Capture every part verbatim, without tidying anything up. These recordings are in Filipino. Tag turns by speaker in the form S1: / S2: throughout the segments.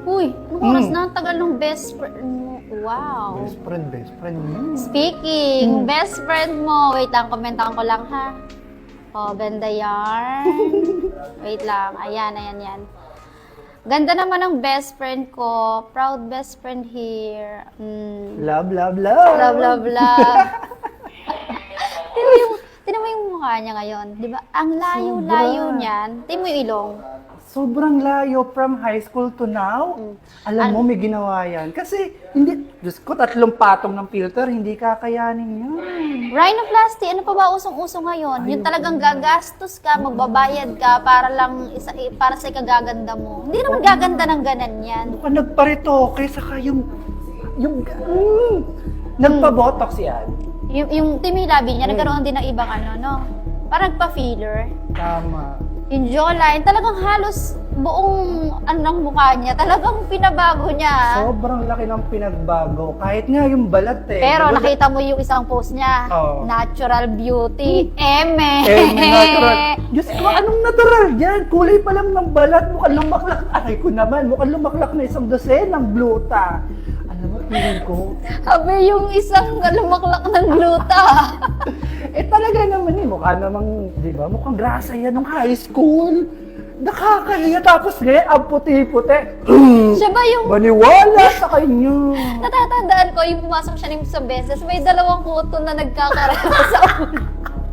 S1: Uy, anong oras na? Ang tagal ng best friend mo. Wow.
S2: Best friend, best friend. Hmm.
S1: Speaking, best friend mo. Wait lang, komentahan ko lang ha. Oh, ganda yarn. Wait lang. Ayan, ayan, yan. Ganda naman ang best friend ko. Proud best friend here. Mm.
S2: Love, love, love.
S1: Love, love, love. Tinan mo yung, tinan mo yung mukha niya ngayon. Di ba? Ang layo-layo
S2: Sobra.
S1: niyan. Tinan mo yung ilong.
S2: Sobrang layo from high school to now.
S1: Mm.
S2: Alam
S1: An-
S2: mo, may ginawa yan. Kasi, hindi, Diyos ko, tatlong patong ng filter, hindi kakayanin yun.
S1: Rhinoplasty, ano pa ba usong-uso ngayon? Yung talagang gagastos ka, magbabayad ka para lang isa, para sa ikagaganda mo. Hindi naman gaganda ng ganan yan.
S2: Mukhang nagparitoke, saka yung, yung, mm, nagpa-botox yan.
S1: Yung, yung timilabi niya, nagkaroon din ng ibang ano, no? Parang pa-filler.
S2: Tama.
S1: Yung jawline, talagang halos buong ano ng mukha niya, talagang pinabago niya.
S2: Sobrang laki ng pinagbago. Kahit nga yung balat eh.
S1: Pero
S2: Balat-
S1: nakita mo yung isang post niya,
S2: Oo.
S1: natural beauty, eme.
S2: Eh, may natural. Diyos ko, anong natural yan? Kulay pa lang ng balat, mukhang lumaklak. Aray ko naman, mukhang lumaklak na isang dosen ng gluta. Alam mo, feeling ko,
S1: Sabi yung isang lumaklak ng gluta.
S2: eh talaga naman eh, mukha namang, di ba, mukhang grasa yan nung high school. Nakakaliya, tapos ngayon, ang puti-puti.
S1: Siya ba yung
S2: Maniwala sa kanya.
S1: natatandaan ko, yung pumasok siya ng isang beses, may dalawang kuto na nagkakaroon sa ulo.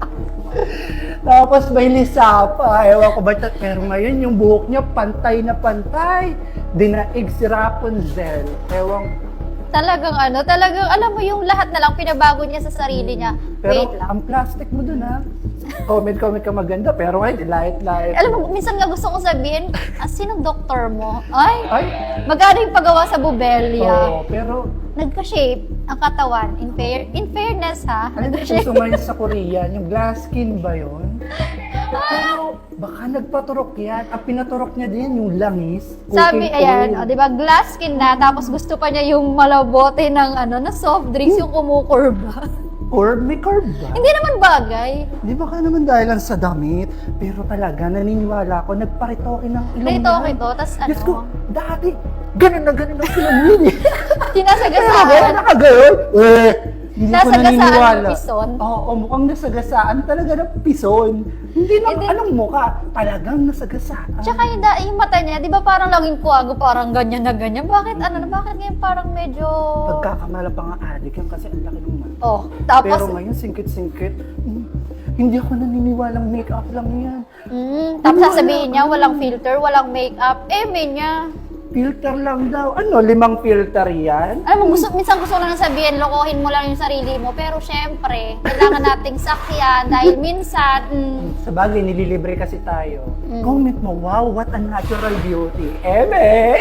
S2: Tapos may lisa pa, ewan ko ba, pero ngayon yung buhok niya pantay na pantay. Dinaig si Rapunzel. Ewan,
S1: Talagang ano, talagang alam mo yung lahat na lang pinabago niya sa sarili niya. Wait
S2: pero
S1: lang.
S2: ang plastic mo dun ha. Comment, comment ka maganda, pero ngayon, light-light.
S1: Alam mo, minsan nga gusto kong sabihin, ah, sinong doktor mo? Ay,
S2: Ay,
S1: magkano yung paggawa sa Bubelya?
S2: oo, pero
S1: Nagka-shape ang katawan. In, fair, in fairness ha,
S2: ano ba
S1: nagka-shape.
S2: uso ngayon sa Korea? Yung glass skin ba yun? Pero baka nagpaturok yan. Ang pinaturok niya din yung langis.
S1: Sabi,
S2: cooking
S1: ayan,
S2: oil.
S1: o, di ba, glass skin na, tapos gusto pa niya yung malabote ng ano, na soft drinks, yung kumukurba.
S2: Curve, may curve ba?
S1: Hindi naman bagay.
S2: Di ba ka naman dahil lang sa damit? Pero talaga, naniniwala ko, nagparitoke ng ilong
S1: Dito,
S2: yan.
S1: okay to, tas
S2: Diyos ko,
S1: ano,
S2: dati, ganun na ganun ang sinamin eh. Pero
S1: sinasagasaan.
S2: ngayon, nakagayon. Eh, hindi ko
S1: Nasagasaan
S2: naniniwala.
S1: ng pison?
S2: Oo, mukhang nasagasaan talaga ng pison. Hindi na,
S1: And then-
S2: anong mukha? Talagang nasagasaan.
S1: Tsaka yung, da- yung mata niya, di ba parang laging kuwago, parang ganyan na ganyan. Bakit ano na, bakit ngayon parang medyo...
S2: Pagkakamala pa nga adik yan kasi ang laki ng mata.
S1: Oh, tapos,
S2: Pero ngayon, singkit-singkit. Hmm, hindi ako naniniwalang make-up lang yan.
S1: mm, tapos sasabihin niya, walang filter, walang makeup. Eh, may niya.
S2: Filter lang daw. Ano, limang filter yan?
S1: Alam mo, gusto, minsan gusto ko lang sabihin, lokohin mo lang yung sarili mo. Pero syempre, kailangan nating sakyan dahil minsan, mm,
S2: Sa bagay, nililibre kasi tayo.
S1: Mm.
S2: Comment mo, wow, what a natural beauty. Eme!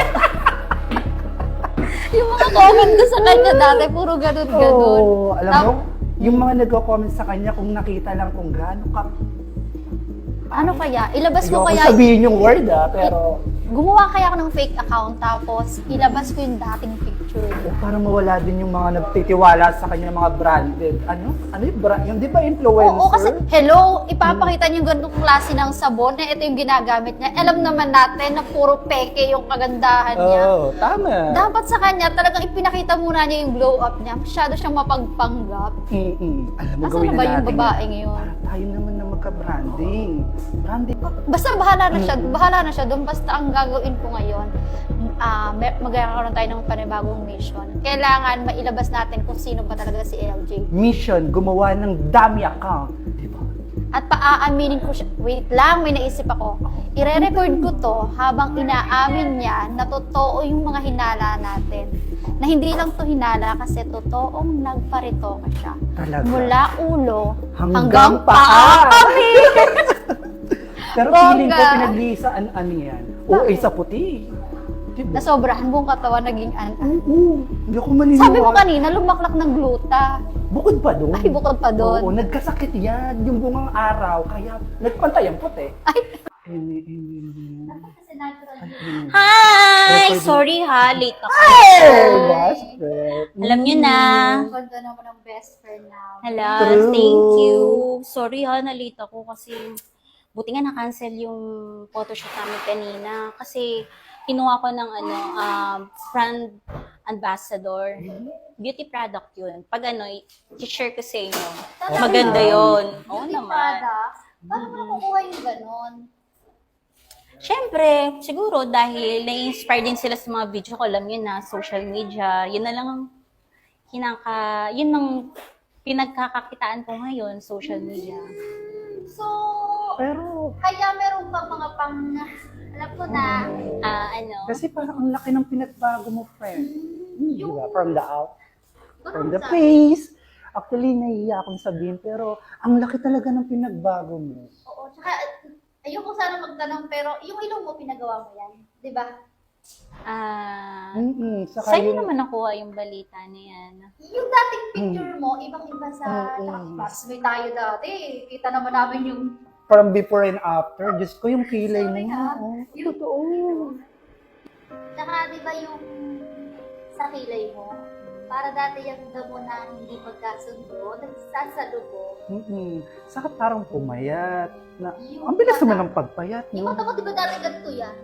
S1: yung mga comment ko sa kanya dati, puro ganun-ganun.
S2: Oo, alam
S1: Tap-
S2: mo, yung mga nagko-comment sa kanya kung nakita lang kung gaano ka.
S1: Ano kaya? Ilabas mo
S2: Ayoko
S1: kaya,
S2: sabihin yung word ah, pero
S1: gumawa kaya ako ng fake account tapos ilabas ko yung dating picture.
S2: o, para mawala din yung mga nagtitiwala sa kanya mga branded. Ano? Ano yung brand? Yung di ba influencer?
S1: Oo, kasi hello, ipapakita niyo yung ganitong klase ng sabon na ito yung ginagamit niya. Alam naman natin na puro peke yung kagandahan niya.
S2: Oo, tama.
S1: Dapat sa kanya, talagang ipinakita muna niya yung glow up niya. Masyado siyang mapagpanggap.
S2: Mm-mm. Alam mo,
S1: Nasaan
S2: gawin
S1: na
S2: na
S1: ba yung
S2: natin
S1: babae
S2: yan.
S1: ngayon?
S2: Para tayo naman na magka-branding. Branding.
S1: Basta bahala na siya, bahala na siya doon. Basta ang gagawin ko ngayon, uh, magkakaroon tayo ng panibagong mission. Kailangan mailabas natin kung sino ba talaga si L J.
S2: Mission, gumawa ng dummy account. Di ba?
S1: At paaaminin ko siya. Wait lang, may naisip ako. Ire-record ko to habang inaamin niya na totoo yung mga hinala natin. Na hindi lang to hinala kasi totoong nagparito ka siya.
S2: Talaga.
S1: Mula ulo
S2: Hanggang
S1: hanggang,
S2: paa.
S1: paa kami.
S2: Pero
S1: Bongga.
S2: feeling ko pinagliisaan ano yan. Oo,
S1: Bakit?
S2: isa puti. Diba?
S1: Nasobrahan buong katawan naging an
S2: Oo, hindi ako maniniwala.
S1: Sabi mo kanina, lumaklak ng gluta.
S2: Bukod pa doon.
S1: Ay, bukod pa doon.
S2: Oo, nagkasakit yan. Yung bungang araw, kaya nagpantay ang puti.
S1: Ay.
S2: Emi, emi, emi. Ay, emi.
S3: Hi!
S2: Record-
S3: Sorry ha, late ako.
S2: Hey, best friend.
S3: Alam nyo na.
S1: Ganda naman ang best friend now.
S3: Hello,
S2: True.
S3: thank you. Sorry ha, na-late ako kasi buti nga na-cancel yung photoshoot namin kanina. Kasi kinuha ko ng ano, um, brand ambassador. Beauty product yun. Pag ano, i-share ko sa inyo. Maganda yun. Oo
S1: Beauty
S3: naman.
S1: products? Paano mo nakukuha yung ganon?
S3: Siyempre, siguro dahil na-inspire din sila sa mga video ko, alam yun na, social media, yun na lang ang kinaka, yun ang pinagkakakitaan ko ngayon, social media.
S1: So,
S2: Pero,
S1: kaya meron pa mga pang, alam ko na,
S3: Ah, ano,
S2: kasi parang ang laki ng pinagbago mo, friend. Hmm, di ba? From the out, from the
S1: sa-
S2: face. Actually, nahihiya akong sabihin, pero ang laki talaga ng pinagbago mo.
S1: Oo, tsaka, ayoko sana magtanong, pero yung ilong mo, pinagawa mo yan. Di ba?
S3: ah,
S2: Mm-mm. Saka
S3: sa'yo
S2: yung-
S3: naman nakuha yung balita na yan.
S1: Yung dating picture mo, ibang-iba sa
S2: Mm-mm.
S1: classmate tayo dati. Kita naman namin yung,
S2: from before and after, Diyos ko, yung kilay mo.
S1: Sorry, ah.
S2: oh.
S1: Yung-
S2: Totoo.
S1: tsaka di ba yung sa kilay mo, para dati yung damo na hindi magkasundo, nagsasalubong.
S2: Mm-mm. Saka parang pumayat. Na,
S1: Yung
S2: ang bilis
S1: mata-
S2: naman ng pagpayat,
S1: Yung
S2: no?
S1: mata mo, di ba dati ganito yan?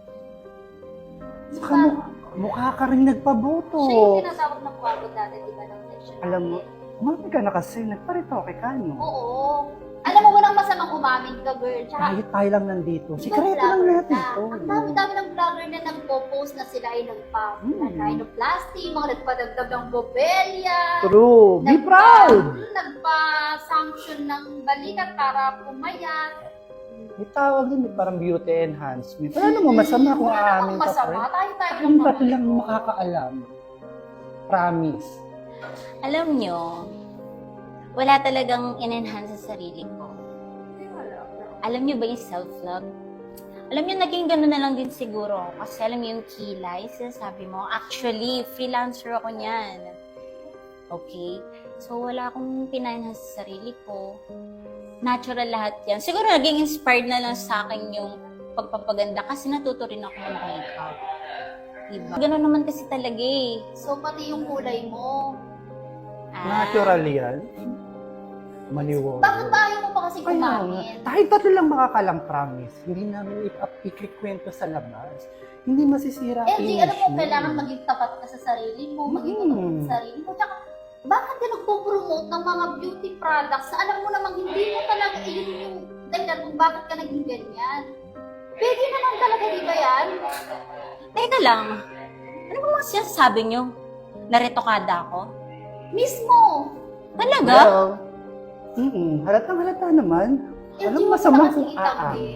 S1: Di
S2: Saka
S1: ba?
S2: mukha, mukha ka rin nagpaboto.
S1: Siya yung tinatawag na kwago dati, di ba, ng section
S2: Alam mo,
S1: natin?
S2: umami ka na kasi, nagparitoke ka, no?
S1: Oo. Alam mo, walang masamang umamin ka, girl. Tsaka,
S2: Tayo, tayo lang nandito.
S1: ibang
S2: Sikreto lang
S1: vlogger
S2: natin
S1: na.
S2: to.
S1: Ang dami-dami ng vlogger na nagpo-post na sila ay nagpa-rhinoplasty, mga nagpadagdag ng bobelya.
S2: True. Be
S1: nagpa-
S2: proud.
S1: Nagpa-sanction ng balikat para pumayat.
S2: May tawag din, may parang beauty enhancement. Wala namang masama kung
S1: Wala
S2: aamin
S1: namang
S2: ka,
S1: masama.
S2: friend.
S1: Tayo-tayo
S2: Yung
S1: lang
S2: dati
S1: naman.
S2: lang makakaalam. Promise.
S3: Alam nyo, wala talagang in-enhance sa sarili ko. Alam nyo ba yung self-love? Alam nyo, naging gano'n na lang din siguro. Kasi alam nyo yung kilay, sinasabi mo. Actually, freelancer ako niyan. Okay? So, wala akong pinanahas sa sarili ko. Natural lahat yan. Siguro naging inspired na lang sa akin yung pagpapaganda kasi natuto rin ako ng makeup. Diba? Gano'n naman kasi talaga eh.
S1: So, pati yung kulay mo.
S3: Ah,
S2: Natural yan. Maliwanag.
S1: Bakit tayo mo pa kasi
S2: Kaya nga,
S1: kumamin?
S2: tayo tatlo lang makakalang promise. Hindi namin i- ikikwento sa labas. Hindi masisira
S1: L G, alam mo,
S2: mo.
S1: kailangan maging tapat ka sa sarili mo, maging
S2: Mm.
S1: tapat sa sarili mo. Tsaka, bakit ka nagpo-promote ng mga beauty products na alam mo namang hindi mo talaga yun yung dahilan kung bakit ka naging ganyan? Pwede naman talaga, di ba yan?
S3: Teka lang. Ano ba mga sinasabi nyo? Naretokada ako?
S1: Mismo!
S3: Talaga?
S2: Well, mm halatang halata naman.
S1: L G,
S2: Alam
S1: mo
S2: mo, masama
S1: kasi
S2: kung aa.
S1: itanggi.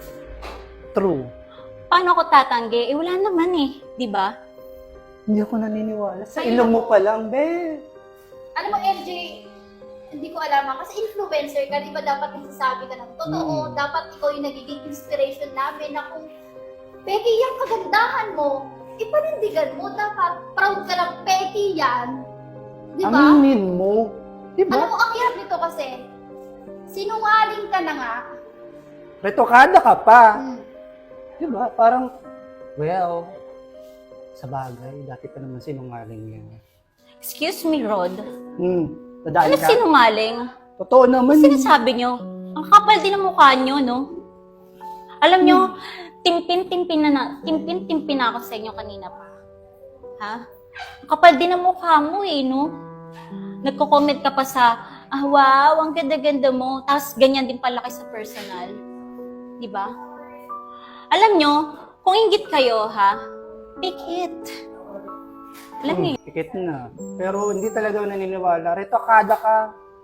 S2: True.
S3: Paano ako tatanggi? Eh, wala naman eh. Di ba?
S2: Hindi ako naniniwala. Sa
S1: Ay,
S2: ilong mo
S1: naku.
S2: pa lang, be.
S1: Alam mo, L J, hindi ko alam ha, kasi influencer ka, di ba dapat nagsasabi ka ng totoo,
S2: Mm.
S1: dapat ikaw yung nagiging inspiration namin na kung peki yung kagandahan mo, ipanindigan mo, dapat proud ka ng peki yan. Di ba?
S2: Aminin mo. Di
S1: Alam
S2: ba?
S1: mo, ang hirap nito kasi, sinungaling ka na nga.
S2: Retokada ka pa.
S1: Hmm.
S2: Di ba? Parang, well, sa bagay, dati pa naman sinungaling yan.
S3: Excuse me, Rod.
S2: Hmm, nadaan
S3: Ano
S2: ka?
S3: sinungaling?
S2: Totoo naman.
S3: Ano sinasabi nyo? Ang kapal din ng mukha nyo, no? Alam nyo, timpin-timpin na, na timpin-timpin na ako sa inyo kanina pa. Ha? Ang kapal din ng mukha mo eh, no? Nagko-comment ka pa sa, ah, wow, ang ganda-ganda mo. Tapos ganyan din palaki sa personal. Di ba? Alam nyo, kung inggit kayo, ha? Pikit. Alam niyo,
S2: Hmm, pikit na. Pero hindi talaga ako naniniwala. Retokada ka.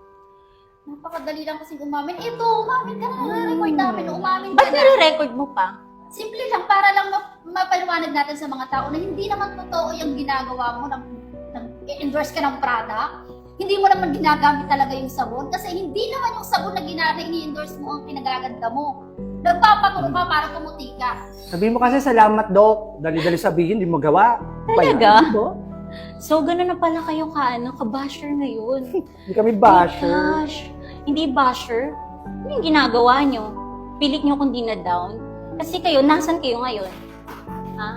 S1: Napakadali lang kasi umamin. Ito, umamin ka na, record namin, umamin ka
S3: ba't
S1: na.
S3: nire-record mo pa?
S1: Simple lang, para lang ma- mapaliwanag natin sa mga tao na hindi naman totoo yung ginagawa mo, nang, nang endorse ka ng product. Hindi mo naman ginagamit talaga yung sabon kasi hindi naman yung sabon na ginagawa, ini-endorse mo ang pinagaganda mo. Nagpapaturo ka para pumuti ka.
S2: Sabihin mo kasi salamat, Dok. Dali-dali sabihin, di mo gawa.
S3: Talaga?
S2: Diba?
S3: So, gano'n na pala kayo ka, ano, ka-basher ngayon.
S2: Hindi kami basher.
S3: Gosh, hindi basher. Ano yung ginagawa nyo? Pilit nyo kung di na down? Kasi kayo, nasan kayo ngayon? Ha?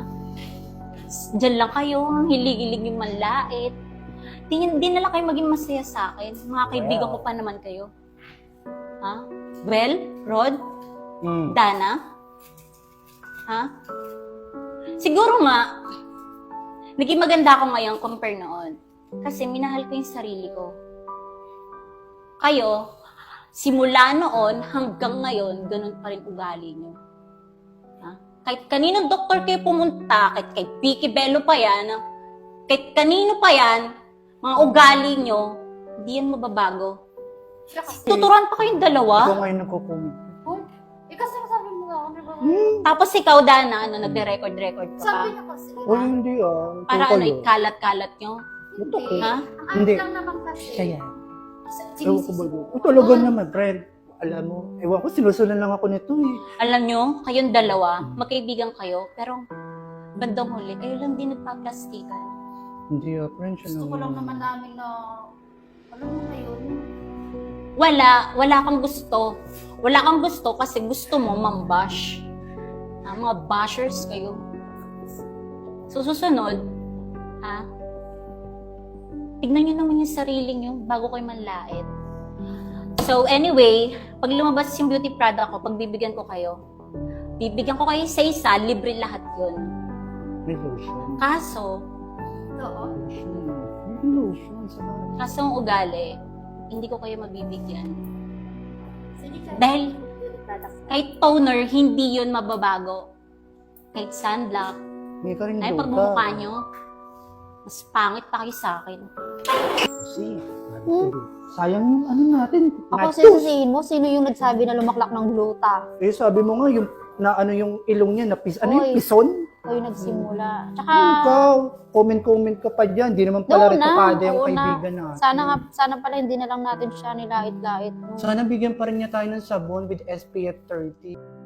S3: Diyan lang kayo, hilig-hilig yung manlait. Di, di na lang kayo maging masaya sa akin. Mga kaibigan ko pa naman kayo. Ha? Well, Rod,
S2: Mm.
S3: Dana? Ha? Siguro nga, naging maganda ako ngayon compare noon. Kasi minahal ko yung sarili ko. Kayo, simula noon hanggang ngayon, ganun pa rin ugali nyo. Ha? Kahit kaninong doktor kayo pumunta, kahit kay Vicky Bello pa yan, kahit kanino pa yan, mga ugali nyo, hindi yan mababago. Tuturuan pa kayong dalawa.
S2: Ikaw ngayon nagko-comment.
S1: Oh, eh kasi sabi mo nga, ano ba?
S2: Hmm.
S3: Tapos ikaw, Dana, ano, nagre-record-record ka pa.
S1: Sabi niya kasi.
S2: Oh, hindi ah.
S3: Para
S2: Ikaw
S3: ano,
S2: kayo.
S3: ikalat-kalat nyo.
S2: Ito ko.
S3: Ha?
S1: Ang
S2: Hindi.
S1: ano lang naman kasi.
S2: Siya yan.
S1: Sige,
S2: Ewan ko ba doon? Oh, talaga naman, friend. Alam mo, ewan ko, sinusunod lang ako nito eh.
S3: Alam nyo, kayong dalawa, magkaibigan kayo, pero bandang huli, kayo lang din nagpa-plastikan.
S2: Hindi ah, friend. Siya
S1: Gusto ko lang naman namin na, alam mo na yun.
S3: Wala, wala kang gusto. Wala kang gusto kasi gusto mo mambash. Ah, mga bashers kayo. So, susunod, ha? Tignan nyo naman yung sarili nyo bago kayo manlait. So, anyway, pag lumabas yung beauty product ko, pag bibigyan ko kayo, bibigyan ko kayo sa isa, libre lahat yun.
S2: May lotion.
S3: Kaso,
S1: Oo.
S2: Lotion. May lotion sa
S3: kaso ang ugali, hindi ko kayo mabibigyan.
S1: Sige, ka-
S3: Dahil
S1: beauty products.
S3: kahit toner, hindi yun mababago. Kahit sunblock,
S2: May ka rin
S3: ay
S2: doon
S3: pagmumukha nyo, mas pangit pa kayo sa akin.
S2: Kasi,
S1: Hmm?
S2: sayang yung ano natin.
S1: Ako
S2: Natus.
S1: sisisihin mo, sino yung nagsabi na lumaklak ng gluta?
S2: Eh, sabi mo nga, yung, na ano yung ilong niya, na pis, ano yung
S1: Oy.
S2: pison?
S1: O yung nagsimula. Tsaka,
S2: Ikaw, comment-comment ka pa dyan. Di naman pala
S1: Noon na,
S2: retokada yung
S1: oo na.
S2: kaibigan natin.
S1: sana nga, sana pala hindi na lang natin siya nilait-lait. No?
S2: Sana bigyan pa rin niya tayo ng sabon with S P F thirty.